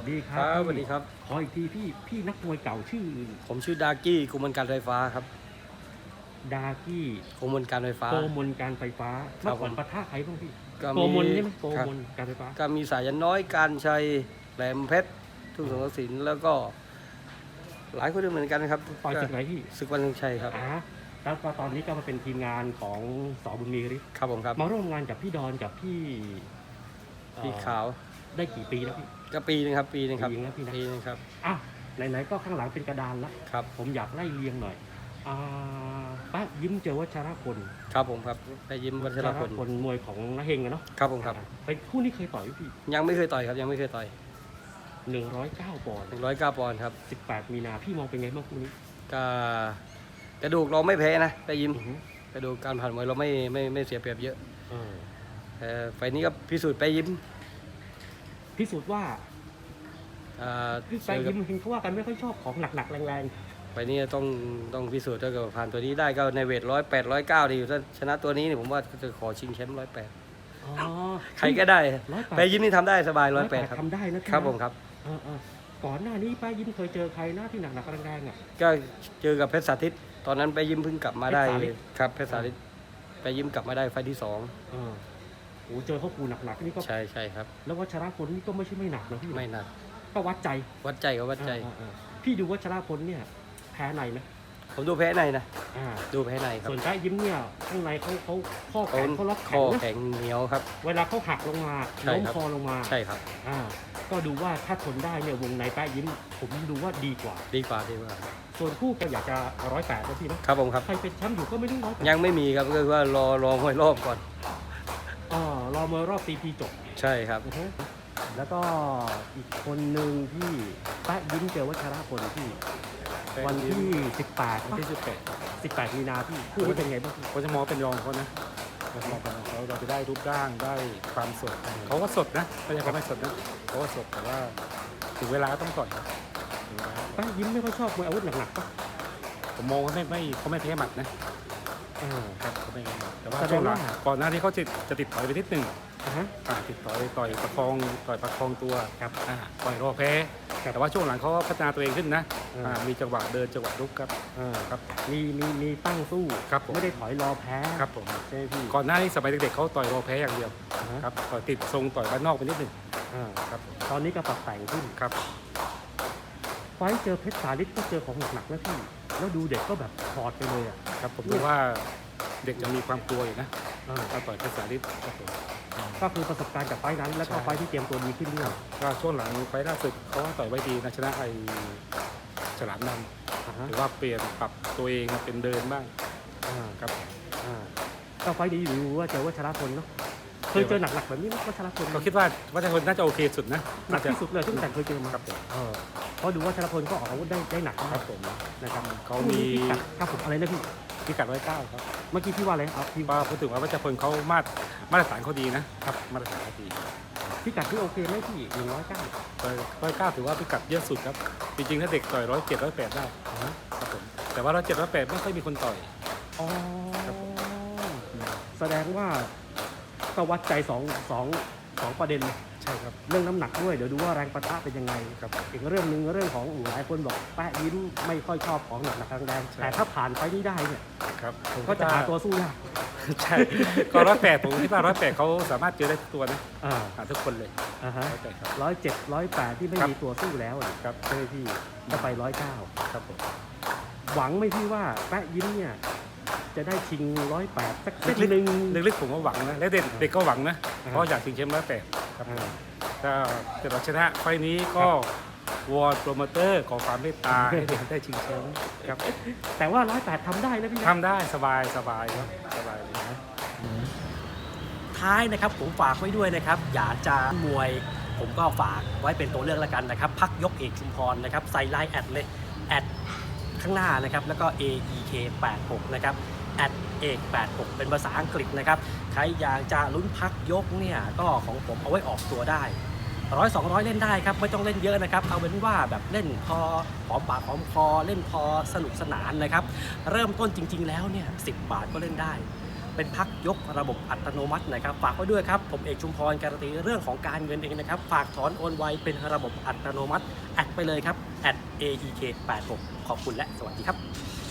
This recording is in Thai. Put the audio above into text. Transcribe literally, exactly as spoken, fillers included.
ดีครัครับบสวัสดีครับขออีกทีพี่พี่นักมวยเก่าชื่อผมชื่อดากี้กุมลการไฟฟ้าครับดากี้กุมลการไฟฟ้าโกมลการไฟฟ้าครัเมื่บอก่อนผมปะทะใครบ้างพี่ก็โกมลใช่ไหมโกครับมลการไฟฟ้าก็มีสายันน้อยการชัยแหลมเพชรทุ่งสงกสินแล้วก็ หลายคนด้วยเหมือนกันนะครับต่อยศึกไหนพี่ศึกวันทรงชัยครับอ่าแล้วก็ตอนนี้ก็มาเป็นทีมงานของสอบุญมีฤทธิ์ครับผมครับมาร่วมงานกับพี่ดอนกับพี่เอ่อพี่ขาวได้กี่ปีแล้วพี่ก็ปีนึงครับปีนึงครับปีนึงแล้วพี่นะปีนึงครับอ่ะไหนๆก็ข้างหลังเป็นกระดานละครับผมอยากไล่เรียงหน่อยอ่าป้ายิ้มเจอวัชรพลครับผมครับไปยิ้มวัชรพลพลมวยของนาเฮงอะเนาะครับผมครับเป็นคู่นี้เคยต่อยไหมพี่ยังไม่เคยต่อยครับยังไม่เคยต่อยหนึ่งร้อยเก้าปอนด์หนึ่งร้อยเก้าปอนด์ครับสิบแปดมีนาพี่มองเป็นไงบ้างคู่นี้ก็กระดูกเราไม่แพ้นะไปยิ้มอือฮึกระดูกการผ่านมวยเราไม่ไม่ไม่เสียเปรียบเยอะเออแต่ไฟล์นี้ก็พิสูจน์ไปยิ้มพิสูจน์ว่าอ่าไปยิ้มเห็นเขาว่ากันไม่ค่อยชอบของหนักๆแรงไฟล์นี้ต้องต้องพิสูจน์ถ้าเกิดผ่านตัวนี้ได้ก็ในเวทร้อยแปดร้อยเก้าดีถ้าชนะตัวนี้เนี่ยผมว่าจะขอชิงแชมป์ร้อยแปดๆอ๋อใครก็ได้ร้อยแปดไปยิ้มนี่ทำได้สบายร้อยแปดครับทำได้นะพี่ครับนะผมครับเออเออก่อนหน้านี้ป้ายิ้มเคยเจอใครหน้าที่หนักๆแรงๆอ่ะก็เจอกับเพชรสาธิตตอนนั้นไปยิ้มเพิ่งกลับมาได้เพชรสาธิตครับเพชรสาธิตไปยิ้มกลับมาได้ไฟล์ที่สองเออโอ้เจอเขาคูหนักๆนี่ก็ใช่ใช่ครับแล้ววัชรพลนี่ก็ไม่ใช่ไม่หนักนะพี่ไม่หนักก็วัดใจวัดใจกับวัดใจเออเออเออพี่ดูวัชรพลเนี่ยแพ้ในไหมผมดูแพ้ในนะอ่าดูแพ้ในครับส่วนป้ายิ้มเนี่ยข้างในเขาเขาข้อแขเขานเขาล็อกคแข็องนะแข็งเหนียวครับเวลาเขาหักลงมาใช่ล้มครับคอลงมาใช่ครับอ่าก็ดูว่าถ้าทนได้เนี่ยวงในแป้ยิ้ม ผมดูว่าดีกว่าดีกว่าดีกว่าส่วนคู่ก็อยากจะร้อยแปดนะพี่นะครับผมครับใครเป็นแชมป์อยู่ก็ไม่รู้ร้อยแปดยังไม่มีครับก็คือว่ารอรอหวยรอบก่อนอ๋อรอมวยรอบตีพีจบใช่ครับอือฮึแล้วก็อีกคนหนึ่งที่แป้ยิ้มเจอวัชรพลที่วันที่สิบแปดวันที่สิบแปดสิบแปดมีนาพี่คู่นี้เป็นไงบ้างพี่เขาจะมองเป็นรองเขานะเรามองเป็นรองเขาเราจะได้รูปร่างได้ความสดเขาก็สดนะไม่ใช่เขาไม่สดนะเขาก็สดแต่ว่าถึงเวลาก็ต้องต่อยครับถึงเวลาแป้ยิ้มไม่ค่อยชอบมวยอาวุธหนักๆปะผมมองว่าไม่ไม่เขาไม่แพ้หมัดนะอ่าครับเขาไม่แพ้หมัดแต่ว่าแสดงช่วงหลังว่าก่อนหน้าที่เขาจะจะติดต่อยไปนิดหนึ่งอ่าฮะอ่าติดต่อยต่อยประคองต่อยประคองตัวครับอ่าต่อยรอแพ้ครับแต่ว่าช่วงหลังเขาพัฒนาตัวเองขึ้นนะอ่าอ่ามีจังหวะเดินจังหวะลุกครับอ่าครับมีมีมีตั้งสู้ครับผมไม่ได้ถอยรอแพ้ครับผมใช่ไหมพี่ก่อนหน้านี้สมัยเด็กๆเขาต่อยรอแพ้อย่างเดียวอ่าฮะครับต่อยติดทรงต่อยบ้านนอกไปนิดหนึ่งอ่าครับตอนนี้ก็ปรับแต่งขึ้นครับไฟท์เจอเพชรสาลิศก็เจอของหนักๆนะพี่ แล้วดูเด็กก็แบบถอดไปเลยอ่ะครับผมดูว่าเด็กจะมีความกลัวอยู่นะอ่าถ้าต่อยภาษาลิศครับผมก็คือประสบการณ์จากไฟท์นั้น แล้วก็ใช่ไฟท์ที่เตรียมตัวดีขึ้นด้วยก็ช่วงหลังไฟล์ล่าสุดเขาว่าต่อยไว้ดีนะชนะไอ้ฉลามดอ่าำฮะหรือว่าเปลี่ยนปรับตัวเองมาเป็นเดินบ้างอ่าครับอ่าก็ไฟท์ดีอยู่ว่าเจอวัชรพลเนาะ เคยเจอหนักๆแบบนี้ไหมวัชรพลก็คิดว่าวัชรพลน่าจะโอเคสุดนะหนัน่าก จะที่สุดเลยตั้งแต่เคยเจอมาครับผมเออเพราะดูว่าวัชรพลก็ออกอาวุธได้ได้หนักคมารักบผมนะครับเขามีพิกัดครับผมอะไรนะพี่พิกัดไว้เก้าครับเมื่อกี้พี่ว่าอะไรเอาพี่ว่าพูดถึงว่าวัชรพลเขามาตรมาตรฐานเขาดีนะครับมาตรฐานเขาดีพิกัดที่โอเคไหมพี่หนึ่งร้อยเก้าต่อยร้อยเก้าถือว่าพิกัดเยอะสุดครับจริงๆถ้าเด็กต่อยร้อยเจ็ดร้อยแปดได้ครับผมแต่ว่าร้อยเจ็ดร้อยแปดไม่ค่อยมีคนต่อยอ๋อครับผมแสดงว่าก็วัดใจสองสองสองประเด็นเลยใช่ครับเรื่องน้ำหนักด้วยเดี๋ยวดูว่าแรงประทะเป็นยังไงครับอีกเรื่องหนึ่งเรื่องของหลายคนบอกแปะยิ้มไม่ค่อยชอบของหนักหนักแรงๆใช่แต่ถ้าผ่านไปนี้ได้เนี่ยครับผมก็จะหาตัวสู้ยากใช่ก็ร้อยแปดผมคิดว่าร้อยแปดเขาสามารถเจอได้ทุกตัวนะอ่าหาทุกคนเลยอ่าฮะร้อยแปดครับร้อยเจ็ดร้อยแปดที่ไม่ครับมีตัวสู้แล้วอะครับใช่ไหมพี่ก็ไปร้อยเก้าครับผมหวังไหม่พี่ว่าแปะยิ้มเนี่ยจะได้ชิงร้อยแปดสักเส้นหนึ่งลึกๆผมก็หวังนะและเด็กเด็กก็หวังนะอ่าเพราะอยากชิงแชมป์ร้อยแปดครับอ่าถ้าเกิดเราชนะไฟล์นี้ก็วอนโปรโมเตอร์ขอความเมตตาให้เด็กได้ชิงแชมป์ครับแต่ว่าร้อยแปดทำได้นะพี่นะทำได้สบายสบายครับสบายเลยนะท้ายนะครับผมฝากไว้ด้วยนะครับ อยากจะมวยผมก็ฝากไว้เป็นตัวเลือกแล้วกันนะครับ พักยกเอกชุมพรนะครับ ใส่ไลน์แอดเลยแอดข้างหน้านะครับ แล้วก็ เอ อี เค แปดหก นะครับแอดเอกแปดหกเป็นภาษาอังกฤษนะครับ ใครอยากจะลุ้นพักยกเนี่ยก็ของผมเอาไว้ออกตัวได้ร้อยสองร้อยเล่นได้ครับไม่ต้องเล่นเยอะนะครับ เอาเป็นว่าแบบเล่นพอหอมปากหอมคอเล่นพอสนุกสนานนะครับ เริ่มต้นจริง ๆ แล้วเนี่ยสิบบาทก็เล่นได้เป็นพักยกระบบอัตโนมัตินะครับฝากไว้ด้วยครับผมเอกชุมพรการันตีเรื่องของการเงินเองนะครับฝากถอนโอนไวเป็นระบบอัตโนมัติแอดไปเลยครับ แอท เอ อี เค แปดหก ขอบคุณและสวัสดีครับ